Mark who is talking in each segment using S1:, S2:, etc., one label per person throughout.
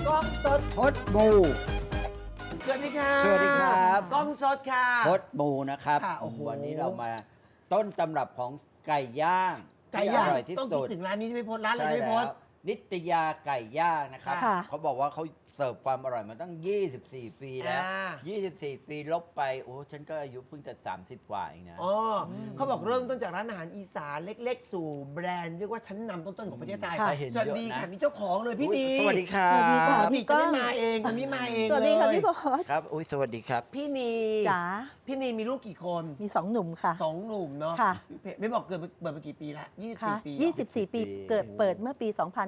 S1: กล้องสด
S2: พดบู
S1: สวัสดีค่ะ
S2: สวัสดีครับ
S1: กล้องสดค่ะ
S2: พดบูนะครับ
S1: ค่ะโอ้โห
S2: วันนี้เรามาต้นตำรับของไก่ย่าง
S1: ไก่ย่าง
S2: ที่อร่อยที่
S1: ต้อง
S2: สุ
S1: คิด
S2: ด
S1: ถึงร้านนี้ใช่ไหมพจน์ร้านอะไร
S2: ใช่
S1: ไม่พ
S2: แล้
S1: จ
S2: ว
S1: น์
S2: นิตยาไก่ย่างนะครับ
S1: ค่ะ
S2: เขาบอกว่าเขาเสิร์ฟความอร่อยมาตั้ง 24 ปีแล้ว 24 ปีลบไปโอ้ฉันก็อายุเพิ่งจะ30 กว่าเองนะ
S1: อ๋อเขาบอกเริ่มต้นจากร้านอาหารอีสานเล็กๆ สู่แบรนด์เรียกว่าชั้นนำต้นๆของประเทศไทย
S2: ค่ะเห็น
S1: สวัสดี
S2: เยอะนะ
S1: ค่ะมีเจ้าของเลยพี่
S2: อุ๊ย
S1: มี
S2: สวัสดีครับ
S3: สวัสดีค่ะ
S1: พี่จะไม่มาเองคนนี้มาเอง
S3: สวัสดีค่ะ
S1: เลย
S3: พี่พศ
S2: ครับอุ้ยสวัสดีครับ
S1: พี่มี
S3: จ๋า
S1: พี่มีลูกกี่คน
S3: มี2 หนุ่มค่ะ
S1: สองหนุ่มเนาะ
S3: ค่ะ
S1: ไม่บอกเกิดมากี่ปีละ
S3: ค่ะ
S1: 24 ปีเหรอ
S3: 24 ปีเปิดเมื่อปี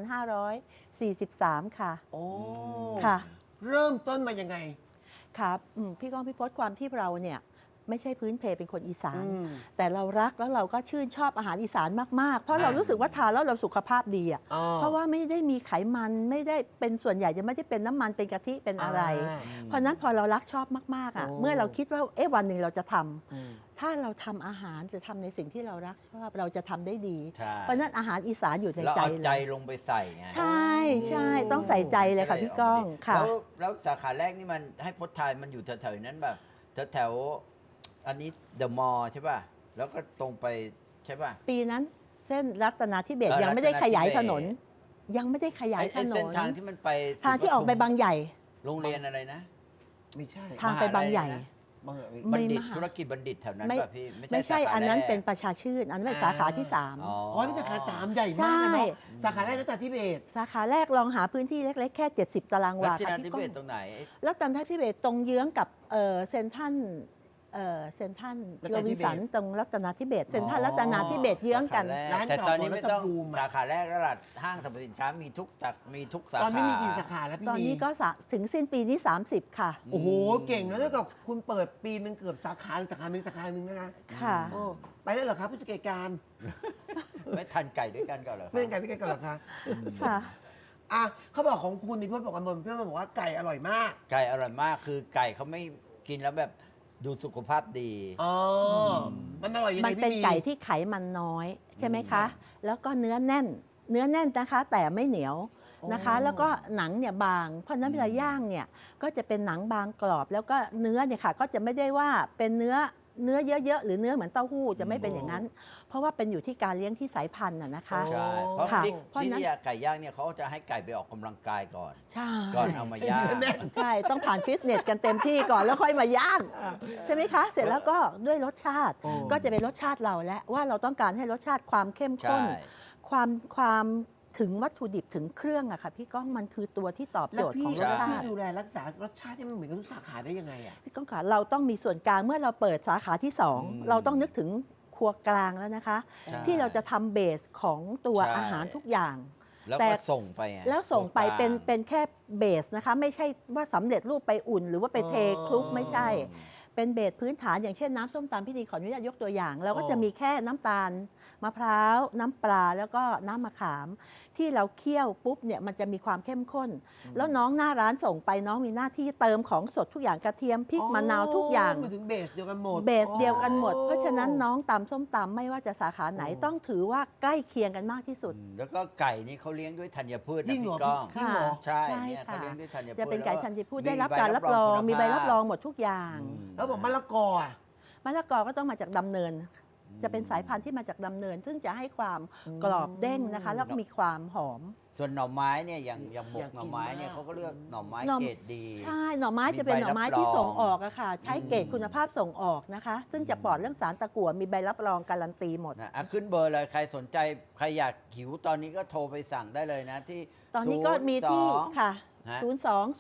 S3: 2543 ค่ะ
S1: โอ้
S3: ค่ะ
S1: เริ่มต้นมายังไง
S3: ครับพี่ก้องพี่พศความที่เราเนี่ยไม่ใช่พื้นเพเป็นคนอีสาน
S1: อืม
S3: แต่เรารักแล้วเราก็ชื่นชอบอาหารอีสานมาก ๆ เพราะเรา
S1: อ่ารู้
S3: รู้สึกว่าทานแล้วเราสุขภาพดีอ่ะ
S1: อ๋อ
S3: เพราะว่าไม่ได้มีไขมันไม่ได้เป็นส่วนใหญ่จะไม่ได้เป็นน้ำมันเป็นกะทิเป็นอะไร เพราะฉะนั้นพอเรารักชอบมากๆอ่ะ
S1: โอ้
S3: เมื่อเราคิดว่าวันหนึ่งเราจะทำ
S1: อืม
S3: ถ้าเราทำอาหารจะทำในสิ่งที่เรารักชอบเราจะทำได้ดี
S2: ใช่
S3: เพราะฉะนั้นอาหารอีสานอยู่ใน
S2: เรา
S3: ใจ
S2: เอา
S3: เล
S2: ใจ
S3: ย
S2: ลงไปใส่ไง
S3: ใช่ใช่ต้องใส่ใจเลยค่ะพี่ก้องค่ะ
S2: แล้วสาขาแรกนี่มันให้พดทายมันอยู่แถวๆนั้นแบบแถวๆอันนี้เดอะมอลล์ใช่ป่ะ แล้วก็ตรงไปใช่ป่ะ
S3: ปีนั้นเส้นรัตนาธิเบศร
S2: เออ
S3: ยังไม่ได้ขยาย
S2: รัตนาธิเบศร
S3: ถนน ยังไม่ได้ขยาย
S2: ไอ้
S3: ถน
S2: เส้น
S3: น
S2: ทางที่มันไป
S3: ทางที่ออกไปบางใหญ่
S2: โรงเรียนอะไรนะ
S1: ไม่ใช่
S3: ทางไปบางใหญ่
S1: บางเหรอ
S2: บัณฑิต
S3: ไม่มหา
S2: ธุรกิจบัณฑิตแถวนั้น
S3: ไม่
S2: ป่ะพี่
S3: ไม่ใช่
S2: สาขา
S3: อันนั้น
S2: แรก
S3: เป็นประชาชื่น อันนั้นเป็นสาขาที่ 3
S2: อ๋อ
S1: อ๋อนี่สาขาสามใหญ่มากนะ
S3: ใช่
S1: เนาะสาขาแรกรัตนาธิเบศร
S3: สาขาแรกลองหาพื้นที่เล็ก ๆ แค่ 70 ตาราง
S2: แล้ว
S3: วา
S2: ที่
S3: ค่ะ
S2: นันทิ
S3: พี่ก้
S2: เบ
S3: อ
S2: ศ
S3: ง
S2: ตรงไหน
S3: แล้วรัตนาธิเบศรตรงเยื้องกับเซนทรัลเซนทรัลโรบินสันตรงรัตนาธิเบศรเซนทรัลรัตนาธิเบศรเยื้องกัน
S2: สาขาแรกแต่ตอนนี้ไม่ต้องสาขาแรกแล้วล่ะห้างสรรพสินค้ามีทุกสาขา
S1: ตอนนี้มีกี่สาขาแล้วพี่
S3: ตอนนี้ก็ถึงสิ้นปีนี้ 30 ค่ะ
S1: โอ้โหเก่งนะถ้าเกิดคุณเปิดปีนึงเกือบสาขาสาขาหนึ่งนะคะ
S3: ค่ะ
S1: โอ้ไปได้เหรอครับผู้จัดการ
S2: ไม่ทันไก่ด้วยกันก่อนเหรอครับ
S1: ไม่เป็นไก่พี่ไก่ก่อนเหรอคะ
S3: ค่ะ
S1: อ่ะเขาบอกของคุณมีเพื่อนบอกกันบนเพื่อนบอกว่าไก่อร่อยมาก
S2: ไก่อร่อยมากคือไก่เขาไม่กินแล้วแบบดูสุขภาพดี
S1: อ๋อมันอร่อยยังไง
S3: มัน
S1: พี่
S3: เป็นไก่ที่ไขมันน้อยใช่ไหมคะ แล้วก็เนื้อแน่นนะคะ แต่ไม่เหนียวนะคะ แล้วก็หนังเนี่ยบาง เพราะฉะนั้นเวลาย่างเนี่ยก็จะเป็นหนังบางกรอบ แล้วก็เนื้อเนี่ยค่ะก็จะไม่ได้ว่าเป็นเนื้อเยอะๆหรือเนื้อเหมือนเต้าหู้จะไม่เป็นอย่างนั้น เพราะว่าเป็นอยู่ที่การเลี้ยงที่สายพันธุ์นะคะ
S2: ใช่ เพราะ
S3: ค่ะ
S2: ที่
S3: เพราะฉะนั้น
S2: ที่ไก่ย่างเนี่ยเขาจะให้ไก่ไปออกกำลังกายก่อน
S3: ใช่
S2: ก่อนเอามาย่าง
S3: ใช่ต้องผ่านฟิตเนสกันเต็มที่ก่อนแล้วค่อยมาย่างใช่ไหมคะ เสร็จแล้วก็ด้วยรสชาติ
S1: โอ้
S3: ก็จะเป็นรสชาติเราแล้วว่าเราต้องการให้รสชาติความเข้มข้น
S2: ใช่
S3: ความถึงวัตถุดิบถึงเครื่องอะค่ะพี่ก้องมันคือตัวที่ตอบ
S1: แล้
S3: โจ
S1: ว
S3: ทย์
S1: พี่
S3: ของร
S1: แล้
S3: ส
S1: ว
S3: ชา
S1: พี่
S3: ติ
S1: ดูแลรักษารสชาติที่มันเหมือนกับทุกสาขาได้ยังไงอ่ะ
S3: พี่ก้องค่ะเราต้องมีส่วนกลางเมื่อเราเปิดสาขาที่ 2 เราต้องนึกถึงครัวกลางแล้วนะคะ
S2: ใช่
S3: ที่เราจะทำเบสของตัว
S2: ใช่
S3: อาหารทุกอย่าง
S2: แล้ว
S3: แต่
S2: ก็ส่งไปไง
S3: แล้วส่งไป
S2: ตัวกลาง
S3: เป็นแค่เบสนะคะ ไม่ใช่ว่าสำเร็จรูปไปอุ่น หรือว่าไปเทคลุกไม่ใช่ เป็นเบสพื้นฐานอย่างเช่นน้ำส้มตำพี่ดีขออนุญาตยกตัวอย่าง เราก็จะมีแค่น้ำตาลมะพร้าวน้ำปลาแล้วก็น้ำมะขาม ที่เราเคี่ยวปุ๊บเนี่ยมันจะมีความเข้มข้น แล้วน้องหน้าร้านส่งไปน้องมีหน้าที่เติมของสดทุกอย่างกระเทียมพริกมะนาวทุกอย่าง
S1: มาถึงเบสเดียวกันหมด
S3: เบสเดียวกันหมด เพราะฉะนั้นน้องตำส้มตำไม่ว่าจะสาขาไหนต้องถือว่าใกล้เคียงกันมากที่สุด
S2: แล้วก็ไก่นี่เขาเลี้ยงด้วยธัญพืช
S1: จริ
S2: นะ
S1: งเหรอ
S2: พี่ก้อง
S1: จริงเหรอ
S2: ใช่
S3: ใช่
S2: เนี่ยเขา
S3: ค่ะ
S2: เลี้ยงด้วยธัญพืช
S3: จะเป็นไก่ธัญพืชได้รับ
S2: ใบ
S3: การรับรอง
S2: คุณภาพ
S3: มีใบรับรองหมดทุกอย่าง
S1: แล้วบอกมะละกออ่ะ
S3: มะละกอก็ต้องมาจากดำเนิน จะเป็นสายพันธุ์ที่มาจากดำเนิน ซึ่งจะให้ความกรอบเด้งนะคะ แล้วก็มีความหอม
S2: ส่วนหน่อไม้เนี่ยอย่างหม
S1: อยาก กกิน
S2: หน่อไม้เนี่ย
S1: มาก
S2: เขาก็เลือกหน่อไม้
S3: หน่อ
S2: เกรดดี
S3: ใช่ หน่อไม้จะเป็นหน่อไม้ที่ส่งออกอะค่ะ ใช้เกรดคุณภาพส่งออกนะคะ ซึ่งจะปลอดเรื่องสารตะกั่วมีใบรับรองการันตีหมด
S2: นะขึ้นเบอร์เลยใครสนใจใครอยากหิวตอนนี้ก็โทรไปสั่งได้เลยนะที่
S3: ตอนนี้ก็มีที่
S2: 02
S3: ค่ะ
S2: ฮะ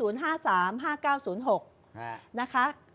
S3: 02-053-5906
S2: ฮะ
S3: นะคะ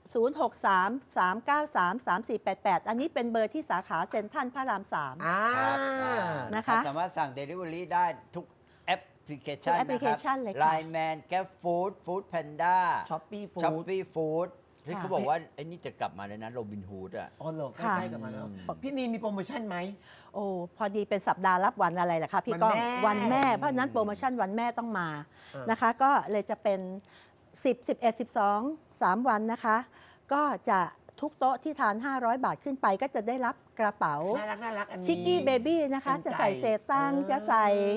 S3: 063-393-3488 อันนี้เป็นเบอร์ที่สาขาเซ็นทรัลพระราม 3
S1: อ่า
S2: ครับ
S3: นะคะ
S2: สามารถสั่ง Delivery ได้ทุกแอปพลิเคชัน
S3: ทุกแอปพลิเคชันเลยค่ะ
S2: ไลน์แมนแกร็บฟู้ดฟู้ดแพนด้า
S1: Shopee Food
S2: ช้อปปี้ฟู้ดที่
S3: ค่ะ
S2: เขาบอกว่าไอ้นี่จะกลับมาเลยนะโรบินฮูดอ่ะ
S1: อ๋อเหรอใก
S3: ค่ะ
S1: ล้ๆกันมาแล้ว พี่มีโปรโมชั่นไหม
S3: โอ้พอดีเป็นสัปดาห์รับวันอะไรล่ะคะพี่ก้อง
S1: วันแม่
S3: เพราะฉะนั้นโปรโมชั่นวันแม่ต้องมา
S1: อ่าน
S3: นะคะ ก็เลยจะเป็น 10 11 12 3 วันนะคะ ก็จะทุกโต๊ะที่ทาน 500 บาทขึ้นไปก็จะได้รับกระเป๋า
S1: น่ารักอันนี้
S3: ชิกกี้เบบี้นะคะ
S1: เป็น
S3: จะใส่
S1: ไก่
S3: เศษตังค์
S1: เออ
S3: จะใส่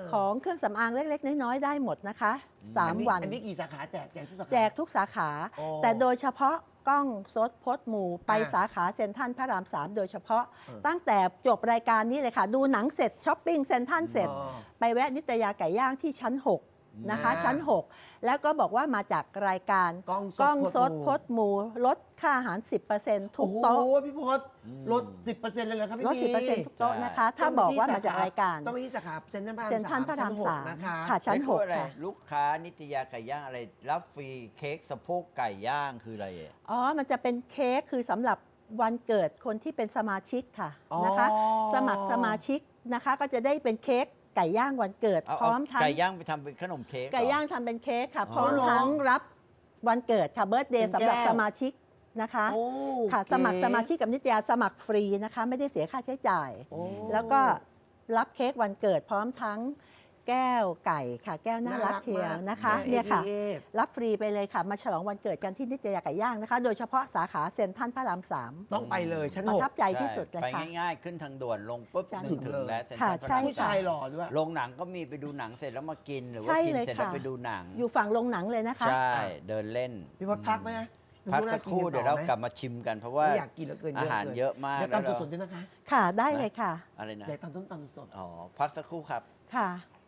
S3: ของเครื่องสำอางเล็ก ๆ น้อย ๆ ได้หมดนะคะ 3 วัน
S1: อันนี้กี่สาขาแจกทุกสาขา
S3: แจกทุกสาขา
S1: โอ้
S3: แต่โดยเฉพาะกล้องสดพดหมู่ไป
S1: อ่า
S3: สาขาเซ็นทรัลพระราม 3 โดยเฉพาะ
S1: เออ
S3: ตั้งแต่จบรายการนี้เลยค่ะ ดูหนังเสร็จช้อปปิ้งเซ็นทรัลเสร็จ
S1: อ๋อ
S3: ไปแวะนิตยาไก่ย่างที่ชั้น 6 นะคะ
S1: อ่า
S3: ชั้น 6 แล้วก็บอกว่ามาจากรายการ
S1: กล้อง
S3: สดพดหมู่ลดค่าอาหาร 10%ทุกโต๊ะ
S1: โอ้โหพี่พศลด 10%เลยเหรอครับพี่
S3: ลด 10%ทุกโต๊ะนะคะ ถ้าบอกว่ามาจากรายการ
S1: ต้องไปที่สาขาเซ็นทรัลพระราม
S3: เซ็นทรัลพระราม
S1: ชั้นหก
S3: 3
S1: นะคะ
S3: ค่ะ ชั้น
S2: ไม่พูดอะไร
S3: 6 ค่ะ
S2: ลูกค้านิตยาไก่ย่างอะไร รับฟรีเค้กสะโพกไก่ย่างคืออะไรอ่ะ
S3: อ๋อ มันจะเป็นเค้กคือสำหรับวันเกิดคนที่เป็นสมาชิกค่ะ
S1: อ๋อ
S3: นะคะ สมัครสมาชิกนะคะ ก็จะได้เป็นเค้กไก่ย่างวันเกิด
S2: เอา
S3: พร้อมทั้ง
S2: ไก่ย่างไปทำเป็นขนมเค้กเหรอ
S3: ไก่ย่างทำเป็นเค้กค่ะ
S2: อ๋อ
S3: พร้อมทั้งรับวันเกิดค่ะเบิร์ตเดย์
S1: เป็น
S3: สำหรับ
S1: แก้ว
S3: สมาชิกนะคะ
S1: โอ้
S3: ค่ะ
S1: เก๋
S3: สมัครสมาชิกกับนิตยาสมัครฟรีนะคะ ไม่ได้เสียค่าใช้จ่าย
S1: โอ้
S3: แล้วก็รับเค้กวันเกิดพร้อมทั้งแก้วไก่ค่ะ แก้วน่ารักเชียวนะคะ
S1: มาก
S3: เนี่ยค่ะ
S1: เอ๊
S3: รับฟรีไปเลยค่ะ มาฉลองวันเกิดกันที่นิตยาไก่ย่างนะคะ โดยเฉพาะสาขาเซ็นทรัลพระราม 3
S1: ต้องไปเลยชั้น
S3: ประ
S1: หก
S3: ทับใจที่สุดเลย
S2: ไป
S3: ค่ะ
S2: ง่ายๆ ขึ้นทางด่วนลงปุ๊บ
S3: ใช่
S2: นึกถึงแล้วเซ็นท
S3: ค่ะ
S2: รัลพระ
S3: ใช่
S2: ราม
S1: ผู้ชายหล่อด้วย
S2: โรงหนังก็มีไปดูหนังเสร็จแล้วมากิน หรือว่า
S3: ใช่
S2: กิน
S3: เลย
S2: เสร็จแล้ว
S3: ค่ะ
S2: ไปดูหนัง
S3: อยู่ฝั่งโรงหนังเลยนะคะ
S2: ใช่ เดินเล่น
S1: พี่พศพักไหม
S2: พักสักครู่เดี๋ยวเรากลับมาชิมกัน เพราะว่า
S1: อยากกินเหลือเกิน
S2: อาหารเยอะมาก
S1: เดี๋ยว
S2: แล้ว
S1: ตำ
S2: เรา
S1: สดๆด้วยนะคะ
S3: ค่ะได้เลยค่ะ
S2: อะไรนะ
S1: อยากตำส้มตำสด
S2: อ๋อ พักสักครู่ครับ
S3: ค่ะ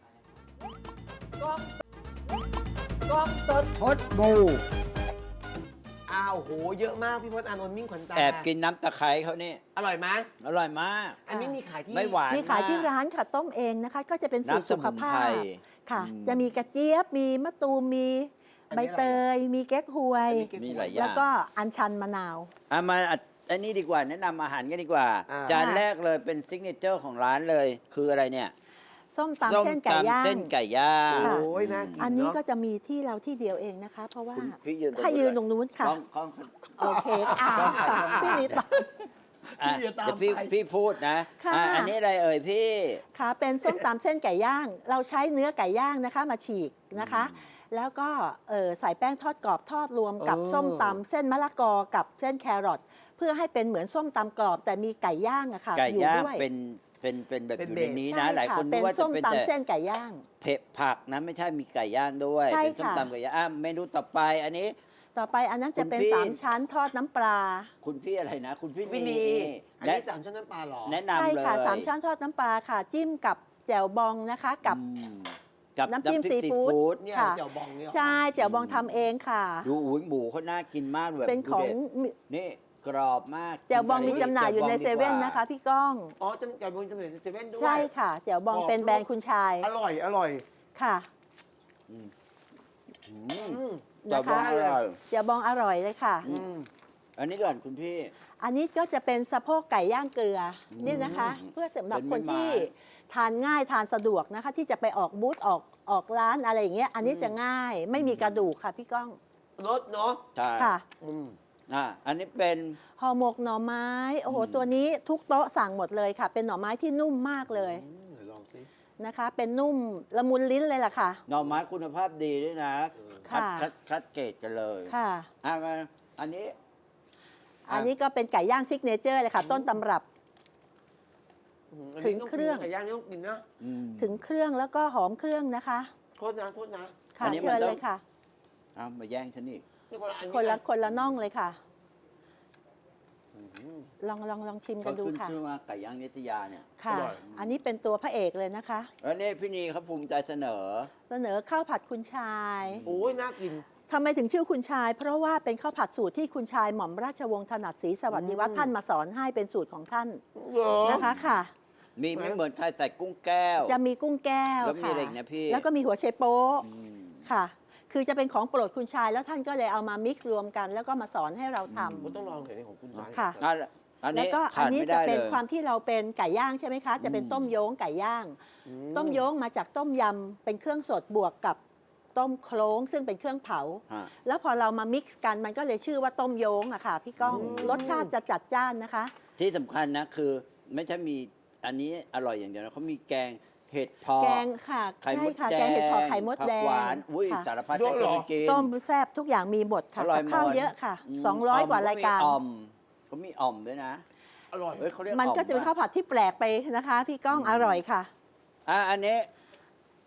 S1: กล้องสดพดบูอ้าวโหเยอะมากพี่พศอานนท์มิ่งขวัญตา
S2: แอบกินน้ำตะไคร้เขานี่
S1: อร่อยไหม
S2: อร่อยมาก
S1: อันนี้มีขายที่
S2: ไม่หวาน
S3: มีขายที่
S2: มก
S3: ร้านค่ะต้มเองนะคะ ก็จะเป็นสูตร
S2: น้ำส
S3: สุข
S2: มุน
S3: ภา
S2: ไพร
S3: พค่ะ
S2: อืม
S3: จะมีกระเจี๊ยบ มีมะตูม มีใบเตย มีเก๊กฮวย
S2: มีหลายอย่า
S3: แล้ว
S2: ง
S3: ก็อัญชันมะนาว
S2: มาอันนี้ดีกว่าแนะนำอาหารกันดีกว่า จานแรกเลยเป็นซิกเนเจอร์ของร้านเลย คืออะไรเนี่ย
S3: ส้มตำเส้นไก่ย่าง
S2: เส้นไก่ย่าง
S3: ค่ะ
S1: โอ้ยน่ากิน
S3: อันนี้
S1: เนาะ
S3: ก็จะมีที่เราที่เดียวเองนะคะ เพราะว่า
S2: คุณพี่ยืนตรง
S3: ถ้ายืนตรงนู้นค่ะ
S2: กล้อง
S3: โอเคพี่นิดต่อ
S2: อ่ะ
S1: พี่จะตาม
S2: เดี๋ยวพี่
S1: ไป
S2: พี่พูดนะ
S3: ค่ะ
S2: อันนี้อะไรเอ่ยพี่
S3: ค่ะเป็นส้มตำเส้นไก่ย่าง เราใช้เนื้อไก่ย่างนะคะมาฉีกนะคะ แล้วก็ใส่แป้งทอดกรอบทอดรวมกับ
S1: เออ
S3: ส้มตำเส้นมะละกอกับเส้นแครอทเพื่อให้เป็นเหมือนส้มตำกรอบ แต่มีไก่ย่างอะค่ะ
S2: ไก่
S3: อยู่
S2: ย่าง
S3: ด้วย
S2: เป็นแบบ
S1: เป็น
S2: อยู่
S1: เบ
S2: ใน
S1: ส
S2: นี้
S3: ใช่
S2: นะ หลาย
S3: ค่ะ
S2: คนนึ
S3: เป็
S2: ก
S3: น
S2: ว่าจะ
S3: ส้ม
S2: เป็น
S3: ตำ
S2: แต่
S3: เส้นไก่ย่าง
S2: เผ็ดผักนะไม่ใช่มีไก่ย่างด้วย
S3: ใช่
S2: เป็นส้ม
S3: ค่ะ
S2: ตำไก่ย่างเมนูต่อไปอันนี้
S3: ต่อไปอันนั้นจะเป็น
S2: คุณพี่
S3: 3 ชั้นทอดน้ำปลา
S2: คุณพี่อะไรนะ คุณพี่
S1: วินี
S2: นี่
S1: อัน
S2: และ
S1: นี้3ชั้นน้ำปลาเหรอ
S2: แนะ
S3: ใช่
S2: นำเลย
S3: ค่ะ3 ชั้นทอดน้ำปลาค่ะ จิ้มกับแจ่วบองนะคะ กับ
S2: อืมกับ
S3: น้ำจิ้ม
S2: พริก
S3: ซีฟู้ด
S2: ด
S1: เนี่ย
S3: ค่ะ
S1: เจียวบองเนี่ยเหรอ
S3: ใช่แจ่วบองทำเองค่ะ
S2: ดูอุ้ยหมูเขาน่ากินมากแบบ
S3: เป็นของ
S2: ดูด็ดนี่กรอบมาก
S3: แจ่วบองมีจำหน่ายอยู่ใน
S2: แจ่
S3: เซ
S2: วบง
S3: เว่น
S2: ดีกา
S3: นะคะพี่ก้อง
S1: อ๋อเจียวบองจำเลยเซเว่นด้วย
S3: ใช่ค่ะแจ่วบองเป็นแบรนด์คุณชาย
S1: อร่อยอร่อย
S3: ค่ะ
S2: อืม
S1: อืม
S2: แจ่วบอง
S3: นะคะ
S2: อร่อย
S3: แจ่วบองอร่อยเลยค่ะ
S2: อืม อันนี้ก่อนคุณพี่
S3: อันนี้ก็จะเป็นสะโพกไก่ย่างเกลืออ
S2: ม
S3: นี่นะคะ เพื่อสำหรับ
S2: เป็น
S3: คน
S2: ไม้
S3: ที่ทานง่ายทานสะดวกนะคะ ที่จะไปออกบูธออกร้านอะไรอย่างเงี้ยอันนี้จะง่ายไม่มีกระดูกค่ะพี่ก้อง
S1: รสเนาะ
S2: ใช่
S3: ค่ะ
S1: อืม
S2: อันนี้เป็น
S3: ห่อหมกหน่อไม้โอ้โห
S2: อืม
S3: ตัวนี้ทุกโต๊ะสั่งหมดเลยค่ะ เป็นหน่อไม้ที่นุ่มมากเลย
S1: เดี๋ยวลองสิ
S3: นะคะ เป็นนุ่มละมุนลิ้นเลยล่ะค่ะ
S2: หน่อไม้คุณภาพดีด้วยนะ
S3: ค่ะ
S2: คัดเกรดกันเลย
S3: ค่ะ
S2: มาอันนี้
S3: อันนี้ก็เป็นไก่ย่างซิกเนเจอร์เลยค่ะ ต้นตำรับ ถึงเครื่อง
S1: ไก่ย่างนี่ต้องกินนะ
S2: อืม
S3: ถึงเครื่องแล้วก็หอมเครื่องนะคะ
S1: โทษนะโทษนะ
S3: ค่ะ
S2: อันนี้มั
S3: เชิ
S2: น
S3: ญ
S2: ต้อง
S3: เลยค่ะ
S2: เอามาแย่งฉันอีก
S1: นี่คนละอัน
S3: คนละน่องเลยค่ะ
S1: อืม
S3: ลองชิมกั
S2: เขา
S3: นดู
S2: ขึ้น
S3: ค่ะ
S2: ชื่อว่าไก่ย่างนิตยาเนี่ย
S3: ค่ะ
S1: อร่อย
S3: อันนี้เป็นตัวพระเอกเลยนะคะ
S2: แล้วนี่พี่นีเขาภูมิใจเสนอ
S3: เสนอข้าวผัดคุณชาย
S1: โอ้ยน่ากิน
S3: ทำไมถึงชื่อคุณชาย เพราะว่าเป็นข้าวผัดสูตรที่คุณชายหม่อมราชวงศ์ถนัดศรีสวัสดิวัฒน์ท่านมาสอนให้เป็นสูตรของท่าน
S1: เหรอ
S3: นะคะค่ะ
S2: มีไม่เหมือนใครใส่กุ้งแก้ว
S3: จะมีกุ้งแก้ว
S2: แล้วมี
S3: ค่ะ
S2: อะไรอีกนะพี่
S3: แล้วก็มีหัวไชโป๊ะ
S2: อืม
S3: ค่ะ คือจะเป็นของโปรดคุณชาย แล้วท่านก็เลยเอามามิกซ์รวมกัน แล้วก็มาสอนให้เราทำ
S1: ผมต้องลองหน่อยนี่ของคุณชาย
S3: ค่ะ
S2: อัน
S3: แล้ว
S2: นี้
S3: ก็อั
S2: ขาด
S3: นี้
S2: ไม่
S3: จะ
S2: ได้
S3: เป็น
S2: เลย
S3: ความที่เราเป็นไก่ย่างใช่ไหมคะ จะเป็น
S2: อืม
S3: ต้มโย้งไก่ย่าง
S1: อื
S3: ต้มโย้งมาจากต้มยำเป็นเครื่องสดบวกกับต้มโคลงซึ่งเป็นเครื่องเผา
S2: ฮะ
S3: แล้วพอเรามามิกซ์กันมันก็เลยชื่อว่าต้มโย้งอะค่ะพี่ก้องรสชาติจะจัดจ้านนะคะ
S2: ที่สำคัญนะคือไม่ใช่มีอันนี้อร่อยอย่างเดียวนะเขามีแกงเห็ดเพาะ
S3: แกงค่ะ
S2: ไข่ม
S3: ใช่
S2: ด
S3: ค่ะ
S2: แดง
S3: แกงเห็ดเผาะไข่มดแด
S2: ผัก
S3: ง
S2: หวานอุ้ย
S3: ค่ะ
S2: สารพัดให้คนไปกิน
S3: ต้มแซ่บทุกอย่างมีหมดค่ะ
S2: อร่อย
S3: กับข้าว
S2: หมด
S3: เยอะค่ะ
S2: อืม
S3: 200 กว่ารายการ
S2: เขามีอ่อมด้วยนะ
S1: อร่อย
S2: เฮ้ยเขาเรียก
S3: มันก็จะเป็นข้าวผัดที่แปลกไปนะคะ พี่ก้องอร่อยค่ะ
S2: อันนี้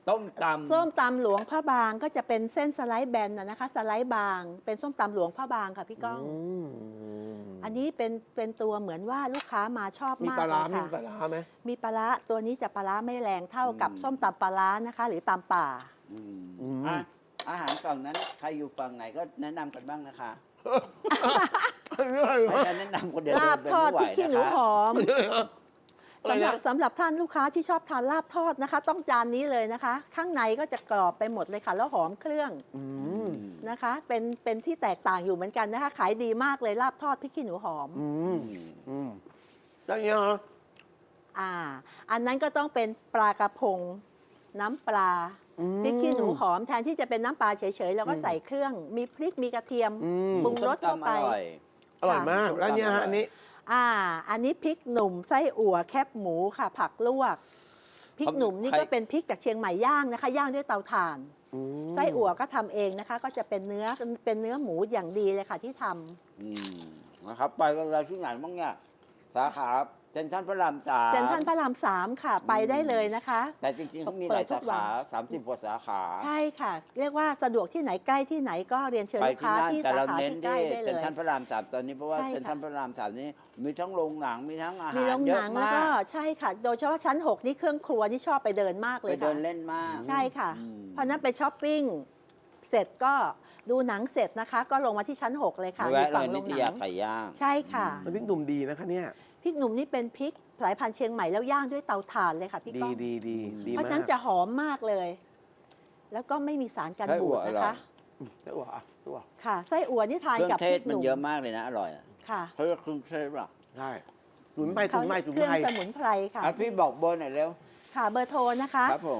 S2: ต้มตำ
S3: ส้มตำหลวงพระบางก็จะเป็นเส้นสไลด์แบนนะคะ สไลด์บาง เป็นส้มตำหลวงพระบางค่ะพี่ก้อง
S1: ม
S3: อันนี้เป็นตัวเหมือนว่าลูกค้ามาชอบ
S1: มี
S3: มาก
S1: ปลา
S3: เล
S1: ร้าย มี
S3: ค่ะ
S1: ปลาร้าไหม
S3: มีปลาร้าตัวนี้จะปลาร้าไม่แรงเท่ากับ
S2: อืม
S3: ส้มตำปลาร้านะคะ หรือตำป่า
S2: อ่ะอาหารฝั่งนั้นใครอยู่ฝั่งไหนก็แนะนำกันบ้างนะคะไม่ใช่แนะนำคนเดียว
S3: ลาบ
S2: เดิน
S3: ทอด
S2: ไม่ไหว
S3: พริกขี้หนู
S2: นะคะ
S3: หอม
S1: อะไร
S3: สำหรั
S1: นะ
S3: บสำหรับท่านลูกค้าที่ชอบทานลาบทอดนะคะ ต้องจานนี้เลยนะคะ ข้างในก็จะกรอบไปหมดเลยค่ะ แล้วหอมเครื่อง
S1: อืม
S3: นะคะ เป็นที่แตกต่างอยู่เหมือนกันนะคะ ขายดีมากเลยลาบทอดพริกขี้หนูหอม
S1: อืมอืมแล้วเนี่ยเหรอ
S3: อันนั้นก็ต้องเป็นปลากระพง น้ำปลา
S1: อืม
S3: พริกขี้หนูหอมแทนที่จะเป็นน้ำปลาเฉยๆเราก็
S1: อืม
S3: ใส่เครื่องมีพริกมีกระเทียม
S1: อืม
S3: ปรุงรสเข้าไป
S2: ส้มตำอร่อย
S1: อร่อยมาก แล้วเนี่ยฮะอันนี้
S3: อันนี้พริกหนุ่มไส้อั่วแคบหมูค่ะ ผักลวกพริกหนุ่มนี่
S2: ใคร
S3: ก็เป็นพริกจากเชียงใหม่ย่างนะคะ ย่างด้วยเตาถ่าน
S1: อืม
S3: ไส้อั่วก็ทำเองนะคะ ก็จะเป็นเนื้อหมูอย่างดีเลยค่ะที่ทำ
S2: นะครับ ไปกันเลยที่ไหนบ้างเนี่ยสาขาเซ็นทรัลพระรามสาม
S3: เซ็นทรัลพระราม3ค่ะ ไปได้เลยนะคะ
S2: แต่จริงๆเขามีหลาย
S3: เปิดทุ
S2: สาก
S3: วัน
S2: ขา30กว่าสาขา
S3: ใช่ค่ะ เรียกว่าสะดวกที่ไหนใกล้ที่ไหนก็เรียนเชิญ
S2: ไป
S3: ลูก
S2: ที่
S3: ค้า
S2: นั่น
S3: ที่
S2: แต่
S3: สา
S2: เรา
S3: ขา
S2: เน้น
S3: ที่ใกล้
S2: ที่
S3: ได้เล
S2: เซ็น
S3: ย
S2: ทรัลพระรามสามตอนนี้เพราะว่า
S3: ใช่ค่ะ
S2: เซ็นทรัลพระรามสามนี้มีทั้งโรงหนังมีทั้งอาหาร
S3: มีโรง
S2: เย
S3: ห
S2: อะ
S3: นังแล้ว
S2: มา
S3: ก็
S2: ก
S3: ใช่ค่ะ โดยเฉพาะชั้น 6 นี่เครื่องครัวนี่ชอบไปเดินมากเล
S2: ไป
S3: ย
S2: เดิ
S3: ค่ะ
S2: นเล่นมาก
S3: ใช่ค่ะ
S2: อืม
S3: เพราะฉะนั้นไปช้อปปิ้งเสร็จก็ดูหนังเสร็จนะคะ ก็ลงมาที่ชั้น 6 เลยค่ะอยู่
S2: แวะเล
S3: ฝั่
S2: ย
S3: งโร
S2: นิ
S3: ง
S2: ต
S3: หนั
S2: ยาง ไก่ย่าง
S3: ใช่ค่ะ
S1: น้ำพริกหนุ่มดีนะคะเนี่ย
S3: พริกหนุ่มนี่เป็นพริกสายพันธุ์เชียงใหม่แล้วย่างด้วยเตาถ่านเลยค่ะพี่
S1: ดี
S3: ก้อง
S1: ดีดีดี
S3: เพราะ
S1: มา
S3: ฉะนั้น
S1: ก
S3: จะหอมมากเลย แล้วก็ไม่มีสารกัน
S2: ไส้อั่
S3: บู
S2: ว
S3: ด
S2: อ
S3: นะ
S2: ร่อย
S3: คะ
S1: ไส้อั่วอ่ะไส้อั่ว
S3: ค่ะไส้อั่วนี่ทาน
S2: เครื่อ
S3: กับ
S2: งเท
S3: พริ
S2: ศ
S3: กห
S2: มัน
S3: นุ่ม
S2: เยอะมากเลยนะอร่อยอะ
S3: ค่ะ
S2: เขาเรียกเครื่องเทศป่ะ
S1: ใช่ถุนไปถุนไปถุน
S3: เครื่อง
S1: ไป
S3: สมุนไพรค่ะ
S2: อ่ะพี่บอกเบอร์หน่อยเร็ว
S3: ค่ะเบอร์โทรนะคะ
S2: ครับผม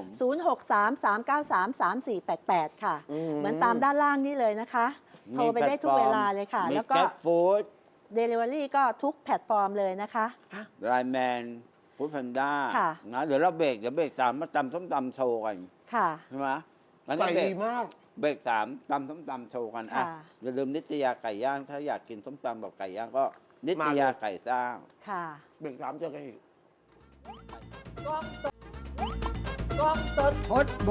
S3: 0633933488 ค่ะ เหมือนตามด้านล่างนี่เลยนะคะ โทรไปได้ทุกเวลาเลยค่ะ
S2: มี
S3: แล้วก็
S2: แก๊ปฟู้ด
S3: Delivery ก็ทุกแพลตฟอร์มเลยนะคะ
S2: ไลน์แมนฟู้ดแพนด้า
S3: ค่ะ
S2: นะเดี๋ยวเราเบรกสามมาตำส้มตำโชว์กัน
S3: ค่ะ
S2: ใช่ไหมงั้น
S1: ไก่
S2: เบร
S1: ดี
S2: ก
S1: มาก
S2: เบรกสามตำส้มตำโชว์กันอ่ะ
S3: ค่ะ
S2: อย่าลืมนิตยาไก่ย่าง ถ้าอยากกินส้มตำแบบไก่ย่างก็นิต
S1: มาเลย
S2: ยาไก่สร้าง
S3: ค่ะ
S1: เบรกสามเจอกันอีก
S3: กล้องสด
S1: ฮอตบู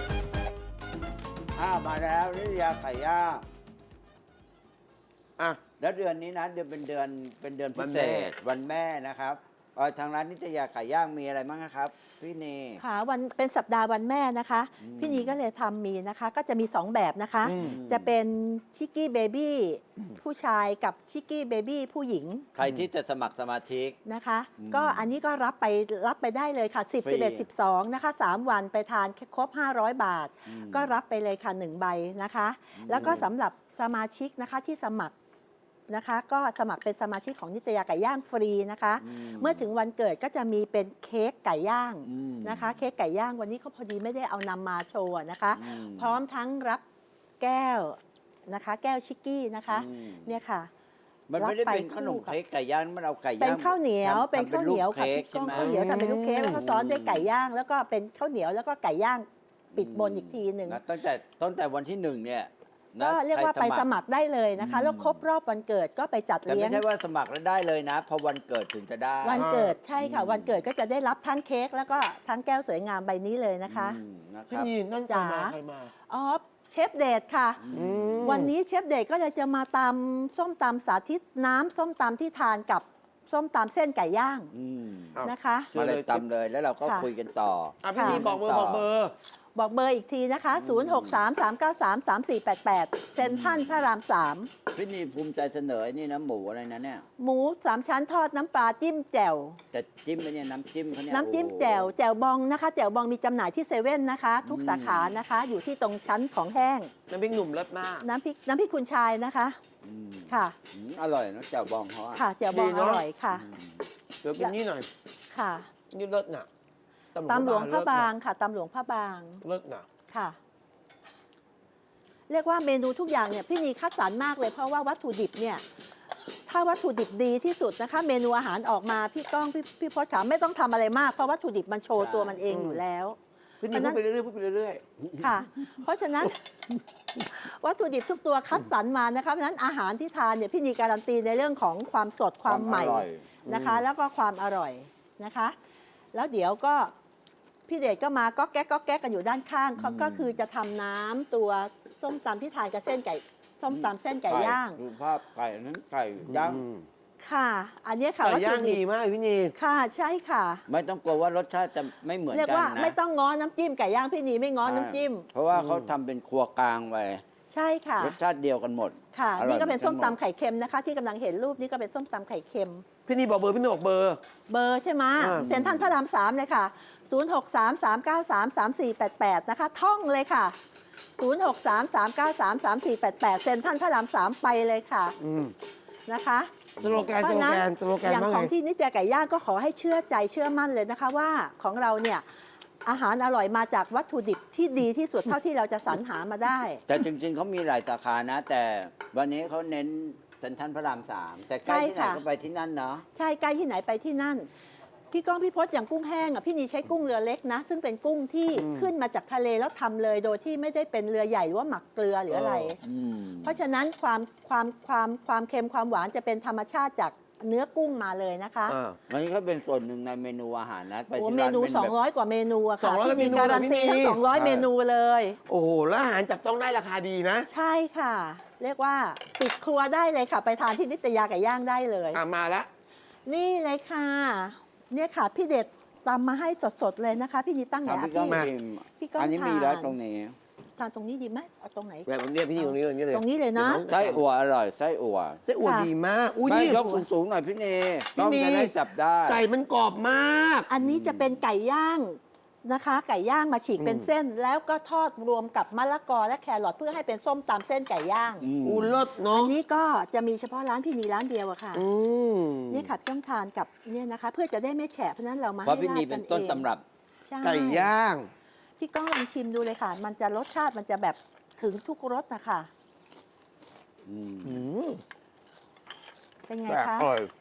S2: มาแล้วนิตยาไก่ย่าง
S1: อ่ะ
S2: แล้วเดือนนี้นะเป็นเดือนพิเศษ
S1: วันแม่
S2: วันแม่นะครับทางร้านนิตยาไก่ย่างมีอะไรบ้างนะครับ พี่เน
S3: ค่ะเป็นสัปดาห์วันแม่นะคะ
S2: อืม
S3: พี่นีก็เลยทำมีนะคะ ก็จะมี 2 แบบนะคะ
S1: อืม
S3: จะเป็นชิกกี้เบบี้ผู้ชายกับชิกกี้เบบี้ผู้หญิง
S2: ใครที่จะสมัครสมาชิก
S3: นะคะ
S2: อืม
S3: ก็อันนี้ก็รับไปได้เลยค่ะ 10
S2: ฟรี
S3: 11 12 นะคะ 3 วันไปทานครบ 500 บาท
S2: อืม
S3: ก็รับไปเลยค่ะ 1 ใบนะคะ แล้วก็สำหรับสมาชิกนะคะที่สมัครนะคะ ก็สมัครเป็นสมาชิกของนิตยาไก่ย่างฟรีนะคะ เมื่อถึงวันเกิดก็จะมีเป็นเค้กไก่ย่าง
S2: อืม
S3: นะคะ เค้กไก่ย่างวันนี้เขาพอดีไม่ได้เอานำมาโชว์นะคะ
S2: อืม
S3: พร้อมทั้งรับแก้วนะคะ แก้วชิกกี้นะคะ
S2: อืม
S3: เนี่ยค่ะ
S2: มันไม่ได้เป็น
S3: รับไป
S2: ขนม
S3: คู่กับ
S2: เค้กไก่ย่างมันเอาไก่ย่าง
S3: เป็นข้าวเหนียว
S2: ทำ
S3: เป็นข้าวเหนียว
S2: รูป
S3: ค่ะ
S2: เค้ก
S3: พี่ก้อง
S2: ใช่ไหม
S3: ข้าวเหนียวทำเป็นลูกเค้กแล้วก็ซ้อนด้วย
S2: อืม
S3: ไก่ย่าง แล้วก็เป็นข้าวเหนียวแล้วก็ไก่ย่างปิดบนอีกทีหนึ่ง
S2: นะตั้งแต่วันที่ 1เนี่ยนะ
S3: ก็เรียกว่า
S2: ใค
S3: ไปสมัครได้เลยนะคะ
S2: อืม
S3: แล้วครบรอบวันเกิดก็ไปจัด
S2: แต่
S3: เลี้ย
S2: ไม่
S3: ง
S2: ใช่ว่าสมัครแล้วได้เลยนะ พอวันเกิดถึงจะได้
S3: วันเกิดใช่ค่ะ
S2: อืม
S3: วันเกิดก็จะได้รับทั้งเค้กแล้วก็ทั้งแก้วสวยงามใบนี้เลยนะคะ
S2: อืมนะค
S1: พี่
S2: รับ
S1: นีนั่นใคร
S3: จ๋า
S1: มาใครมา
S3: อ๋อเชฟเดชค่ะ
S1: อืม
S3: วันนี้เชฟเดชก็เลยจะมาตำส้มตำสาธิตน้ำส้มตำที่ทานกับส้มตำเส้นไก่ย่าง
S2: อืม
S1: อ้าว
S3: นะคะ
S2: มาเลยตำเลยแล้วเราก็
S3: ค่ะ
S2: คุยกันต่อ
S1: อ่ะพี่นีบอกเบอร์บอกเบอร์
S3: บอกเบอร์อีกทีนะคะ 0633933488 เซ็นทรัลพระราม
S2: พี่นี่ภูมิใจเสนอไอ้นี่นะหมูอะไรนะเนี่ย
S3: 3 หมู 3 ชั้นทอดน้ำปลาจิ้มแจ่ว
S2: แต่จิ้มไปเนี่ยน้ำจิ้มเขาเนี่ย
S3: น้ำจิ้ม
S2: โอ้โห
S3: แจ่วแจ่วบองนะคะ แจ่วบองมีจำหน่ายที่เซเว่นนะคะ ทุกสาขานะคะ อยู่ที่ตรงชั้นของแห้ง
S1: น้ำพริกหนุ่มรสมาก
S3: น้ำพริกคุณชายนะคะ
S2: อืม
S3: ค่ะ
S2: อร่อยนะแจ่วบองเขาอะ
S3: ค่ะแจ่วบอง
S1: ดี
S3: อ
S1: เนอะ
S3: ร่อยค่ะ
S2: อืม
S1: เดี๋ยวกินนี่หน่อย
S3: ค่ะ
S1: นี่เลิศน่ะ
S3: ตำหลวงพระบาง
S1: เลิศน่
S3: ค่ะตำหลวงพระบาง
S1: เลิศน่ะ
S3: ค่ะ เรียกว่าเมนูทุกอย่างเนี่ยพี่นีคัดสรรมากเลยเพราะว่าวัตถุดิบเนี่ย ถ้าวัตถุดิบดีที่สุดนะคะ เมนูอาหารออกมาพี่ก้องพี่พศขาไม่ต้องทำอะไรมากเพราะวัตถุดิบมันโชว์ตัวมันเองอยู่แล้ว
S1: พี่นี
S3: อันนั้
S1: พูด
S3: น
S1: ไปเรื่อยๆพูดไปเรื่อย
S3: ค่ะ เพราะฉะนั้น วัตถุดิบทุกตัวคัดสรรมานะคะเพราะฉะนั้นอาหารที่ทานเนี่ยพี่นีการันตีในเรื่องของความสดความใหม่
S2: อร่อย
S3: นะคะ แล้วก็ความอร่อยนะคะ แล้วเดี๋ยวก็พี่เดชก็มาก็แก๊กก็แก๊กกันอยู่ด้านข้างเขาก็คือจะทำน้ำตัวส้มตำที่ทานกับเส้นไก่ส้มตำเส้นไก่ย่าง
S2: ดูภาพไก่นั้นไก่ย่าง
S3: ค่ะ อันนี้ค่ะ
S1: ไก่
S3: วัต
S1: ย่า
S3: ถุ
S1: ง
S3: ดิ
S1: ดี
S3: บ
S1: มากพี่นี
S3: ค่ะใช่ค่ะ
S2: ไม่ต้องกลัวว่ารสชาติจะไม่เหมือน
S3: เรียก
S2: กัน
S3: ว่า
S2: นะ
S3: ไม่ต้องง้อน้ำจิ้มไก่ย่างพี่นีไม่ง้อน้ำจิ้ม
S2: เพราะว่าเขาทำเป็นครัวกลางไว้
S3: ใช่ค่ะ
S2: รสชาติเดียวกันหมด
S3: ค่ะ
S2: อร่อย
S3: นี่ก็เป็นส้ม
S2: หอกัห
S3: ตำไข่เค็มนะคะ ที่กำลังเห็นรูปนี่ก็เป็นส้มตำไข่เค็ม
S1: พี่นีบอกเบอร์พี่นีบอกเบอร์
S3: เบอร์ใช่ไหม
S1: อ่า
S3: เซ็นทรัลพระราม3เลยค่ะ 0633933488 นะคะ ท่องเลยค่ะ 0633933488 เซ็นทรัลพระราม3ไปเลยค่ะ
S1: อืม
S3: นะคะ
S1: สโลแกน
S3: เพ
S1: ส
S3: ราะ
S1: โล
S3: ฉะ
S1: แก
S3: นั้น
S1: นสโลแกน
S3: อย่าง
S1: ว่า
S3: ข
S1: ไง
S3: องที่นิตยาไก่ย่างก็ขอให้เชื่อใจเชื่อมั่นเลยนะคะว่าของเราเนี่ยอาหารอร่อยมาจากวัตถุดิบที่ดีที่สุดเท่าที่เราจะสรรหามาได้
S2: แต่จริงๆเขามีหลายสาขานะ แต่วันนี้เขาเน้นเซ็นทรัลพระราม3แต่ใกล้ที่ไหน
S3: ใช่ค่ะ
S2: ก็ไปที่นั่นเนาะ
S3: ใช่ใกล้ที่ไหนไปที่นั่น พี่ก้องพี่พศอย่างกุ้งแห้งอ่ะพี่นีใช้กุ้งเรือเล็กนะ ซึ่งเป็นกุ้งที่ขึ้นมาจากทะเลแล้วทำเลยโดยที่ไม่ได้เป็นเรือใหญ่หรือว่าหมักเกลือหรืออะไร เพราะฉะนั้นความเค็มความหวานจะเป็นธรรมชาติจากเนื้อกุ้งมาเลยนะคะ
S1: อ่า
S2: วันนี้ก็เป็นส่วนหนึ่งในเมนูอาหารนะไป
S3: โอ้
S2: ที่
S3: เม
S2: ร้าน
S3: นู
S2: เป็นแบบ
S3: 200 กว่าเมนูอะค่ะ
S1: 200
S3: พี่นี
S1: เมนู
S3: การันตี
S1: เหรอพี่นี
S3: ทั้ง200 เมนูเลย
S1: โอ้โหแล้วอาหารจับต้องได้ราคาดีนะ
S3: ใช่ค่ะ เรียกว่าปิดครัวได้เลยค่ะ ไปทานที่นิตยาไก่ย่างได้เลย
S1: อ่ะมาละ
S3: นี่เลยค่ะ เนี่ยค่ะ พี่เด็ดตำมาให้สดๆเลยนะคะ พี่นีตั้งไหน
S2: ครับ
S3: อะ
S2: พี่ก้อง
S3: พี่
S2: ชิม
S3: พี่ก้อง
S2: อันนี้มี
S3: ทาน
S2: แล้วตรงนี้
S3: ทานตรงนี้ดีไหมเอาตรงไหน
S1: แบบผมเรียกพี่นีตรงนี้เลย
S3: ตรงนี้เลยนะ
S2: ไส้อั่วอร่อยไส้อั่ว
S1: เจ๊อวดดีมาก อุ้ย
S2: ไม่
S1: นี่
S2: ยกสูงๆหน่อยพี่เน
S1: พี่
S2: ต้อง
S1: เน
S2: จะได้จับได้
S1: ไก่มันกรอบมาก
S3: อันนี้จะเป็นไก่ย่างนะคะ ไก่ย่างมาฉีกเป็นเส้น แล้วก็ทอดรวมกับมะละกอและแครอทเพื่อให้เป็นส้มตำเส้นไก่ย่าง
S1: อูเลิศ
S3: อั
S1: เนาะ
S3: นนี้ก็จะมีเฉพาะร้านพี่นีร้านเดียวอะค่ะ
S1: อืม
S3: นี่ค่ะต้องทานกับเนี่ยนะคะ เพื่อจะได้ไม่แฉะเพราะฉะนั้นเรามา
S2: เพราะ
S3: ให้
S2: พี่
S3: รา
S2: นี
S3: ด
S2: เป็
S3: กัน น
S2: ต้น
S3: เอง
S2: ตำรับ
S3: ใช่
S1: ไก่ย่าง
S3: พี่ก้องลองชิมดูเลยค่ะ มันจะรสชาติมันจะแบบถึงทุกรสนะคะ
S2: อืม
S1: อืม
S3: เป็นไง
S1: แปลก
S3: คะ
S1: อร่อย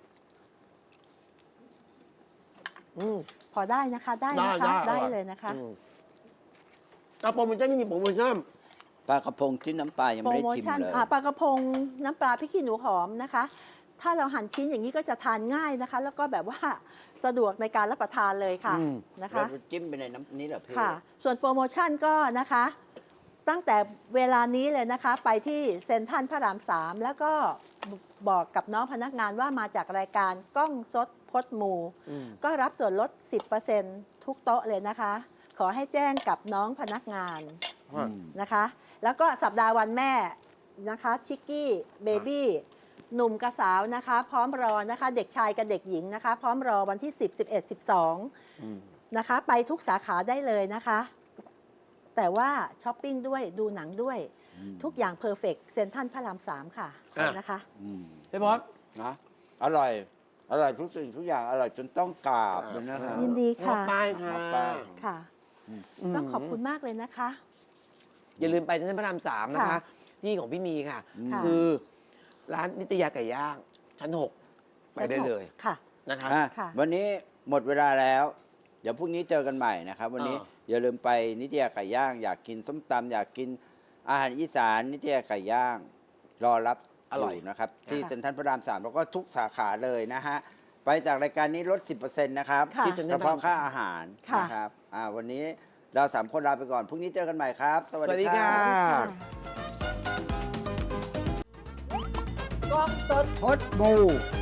S1: อืม
S3: พอได้นะคะได้นะคะ
S1: ได้
S3: ได้
S1: อร่อย
S3: เลยนะคะ
S1: อืมเอาโปรโมชั่นนี่มีโปรโมชั่น
S2: ปลากระพงที่น้ำปลายัง
S3: โปร
S2: ไม่ได้
S3: โม
S2: ชิม
S3: ชั่น
S2: เลย
S3: ปลากระพงน้ำปลาพริกขี้หนูหอมนะคะ ถ้าเราหั่นชิ้นอย่างนี้ก็จะทานง่ายนะคะ แล้วก็แบบว่าสะดวกในการรับประทานเลยค่ะ
S1: อืม
S3: นะ
S2: แล้ว
S3: คะ
S2: จิ้มไปในน้ำนี้เหรอพี่
S3: ค่ะ ส่วนโปรโมชั่นก็นะคะ ตั้งแต่เวลานี้เลยนะคะ ไปที่เซ็นทรัลพระราม3แล้วก็บอกกับน้องพนักงานว่ามาจากรายการกล้องสดพดหมู
S1: อืม
S3: ก็รับส่วนลด 10%ทุกโต๊ะเลยนะคะ ขอให้แจ้งกับน้องพนักงาน
S2: อืม
S3: นะคะ แล้วก็สัปดาห์วันแม่นะคะชิกกี้เบบี้หนุ่มกับสาวนะคะ พร้อมรอนะคะ เด็กชายกับเด็กหญิงนะคะ พร้อมรอวันที่ 10 11
S2: อืม
S3: 12 นะคะ ไปทุกสาขาได้เลยนะคะ แต่ว่าช้อปปิ้งด้วยดูหนังด้วย
S2: อืม
S3: ทุกอย่างเพอร์เฟกต์เซ็นทรัลพระราม3ค่ะ
S1: อ่ะ
S3: นะคะ
S2: อืม
S1: พี่พอด
S2: นะอร่อย อร่อยทุกสิ่งทุกอย่างอร่อยจนต้องกราบเลยนะครับ
S3: ยินดีค่ะ
S1: ป้ายค่ะ
S2: ป้าย
S3: ค่ะ ต้องขอบคุณมากเลยนะคะ
S1: อย่าลืมไปเซ็นทรัลพระราม3นะคะ
S3: ค่ะ
S1: ที่ของพี่นีค่ะ
S3: ค่ะ
S1: คือร้านนิตยาไก่ย่าง ชั้น 6 ไปได้เลย
S3: ค่ะ
S1: นะคะ
S2: อ่ะ
S3: ค่ะ
S2: วันนี้หมดเวลาแล้ว เดี๋ยวพรุ่งนี้เจอกันใหม่นะครับ วันนี้ อย่าลืมไปนิตยาไก่ย่าง อยากกินส้มตำอยากกินอาหารอีสานนิตยาไก่ย่าง รอรับ
S1: อร่อย
S2: นะครับ ที่
S3: ค่ะ
S2: เซ็นทรัลพระราม 3 แล้วก็ทุกสาขาเลยนะฮะ ไปจากรายการนี้ลด 10%นะครับ
S3: ค่ะ
S1: ที่เซ็นท
S2: เฉ
S1: รัลพระ
S2: พาะ
S1: ราม
S2: ค่าอาหาร
S3: ค่ะ
S2: นะครับวันนี้เรา3คนลาไปก่อนพรุ่งนี้เจอกันใหม่ครับ สวัส
S1: สวัส
S2: ดี
S1: ดี
S2: ค
S1: ค่ะ
S2: รับ
S1: กล้องสด
S3: พดบู